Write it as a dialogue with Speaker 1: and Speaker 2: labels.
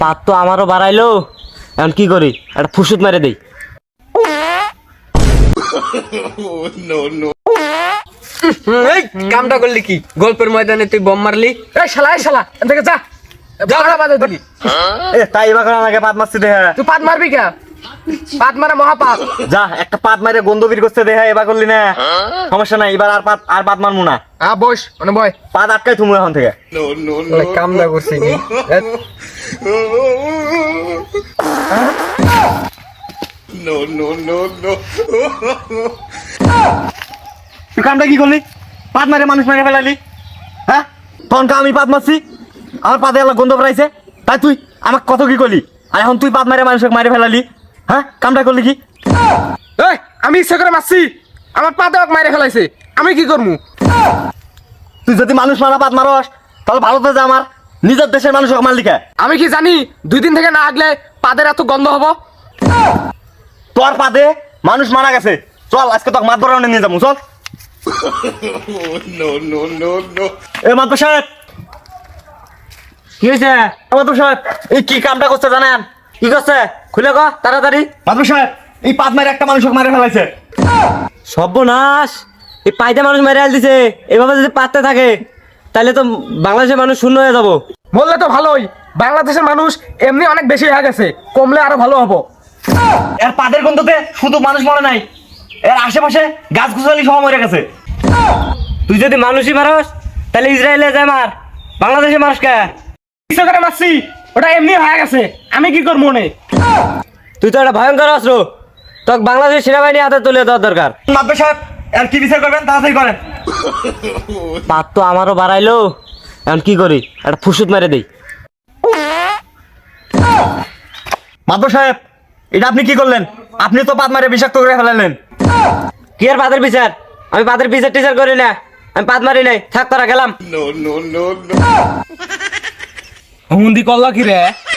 Speaker 1: পাত তো আমারও বাড়াইলো, এখন কি করি? একটা ফুসুত মেরে দেই।
Speaker 2: এই কামটা করলি কি? গল্পের ময়দানে তুই বম মারলি?
Speaker 3: এই শালা এখান থেকে যা ঝগড়া বাজে দিলি।
Speaker 1: তাই এবার আগে পাত মারছি দেহা।
Speaker 3: তুই পাত মারবি কে? পাত মারা মহাপাপ।
Speaker 1: যা একটা পাত মারে গন্ধ বের করতে দেহা, এবার করলি না সমস্যা নাই, এবার আর পাত মারমু না।
Speaker 3: বস মানে বয়।
Speaker 1: পাত আটকাই থুমু এখন থেকে।
Speaker 2: কামটা করছি নি।
Speaker 1: তুই কামটা কি করলি? পাত মারে মানুষ মেরে ফেলালি, হ্যাঁ? তখন আমি পাত মারছি, আমার পাতে এলা গন্ধ বেড়াইছে, তাই তুই আমাকে কত কি করলি? আর এখন তুই পাত মারে মানুষকে মারে ফেলালি, হ্যাঁ? কামটা করলি কি?
Speaker 3: এই আমি ইচ্ছা করে মারছি, আমার পা দেওয়াক মাইরে ফেলাইছে, আমি কি করবো?
Speaker 1: তুই যদি মানুষ মারা পাত মারস তাহলে ভালো তো যা, আমার নিজের দেশের মানুষ মারলি কে?
Speaker 3: আমি কি জানি 2 দিন থেকে না আগলে পাদের এত গন্ধ হবো?
Speaker 1: তোর পাতে মানুষ মারা গেছে, চল আজকে তোকে মাত বরাবর নিয়ে যাবো, চল। এ মাতব সাহেব, কি হয়েছে? মাতব সাহেব এই কি কামটা করছে জানেন? কি করছে খুলে ক তাড়াতাড়ি। মাতব সাহেব এই পাত মারে একটা মানুষকে মারে ফেলাইছে। সর্বনাশ, এই পাইতে মানুষ মেরে আল দিছে। এভাবে যদি পাততে থাকে তাহলে তো বাংলাদেশের মানুষ শূন্য হয়ে যাবো।
Speaker 3: বললে তো ভালোই, বাংলাদেশের মানুষ এমনি অনেক বেশি হয়ে গেছে, কমলে আরো ভালো হবো।
Speaker 1: এর পাদের গন্ধতে শুধু মানুষ মরে নাই, এর আশেপাশে গাছ গুছালি সব মরে গেছে। তুই যদি মানুষই মারস তাহলে ইসরায়েলে যায় মার, বাংলাদেশে মানুষ কে?
Speaker 3: ইচ্ছা করে মারছি, ওটা এমনি হয়ে গেছে, আমি কি করবো মনে?
Speaker 1: তুই তো একটা ভয়ঙ্কর অস্ত্র, তোকে বাংলাদেশের সেনাবাহিনী হাতে তুলে দেওয়ার দরকার। মাতবে সাহেব আর কি বিচার করবেন তাড়াতাড়ি করেন। পাত তো আমারও বাড়াইলো, এখন কি করি? একটা ফুসুত মেরে দেই। মাতব সাহেব এটা আপনি কি করলেন? আপনি তো পাত মারে বিষাক্ত করে ফেলালেন। কি আর পাতের বিচার? আমি পাতের বিচার টিচার করি না, আমি পাত মারি নাই, থাক তোরা গেলাম।
Speaker 3: হুন্দি করলা কি রে?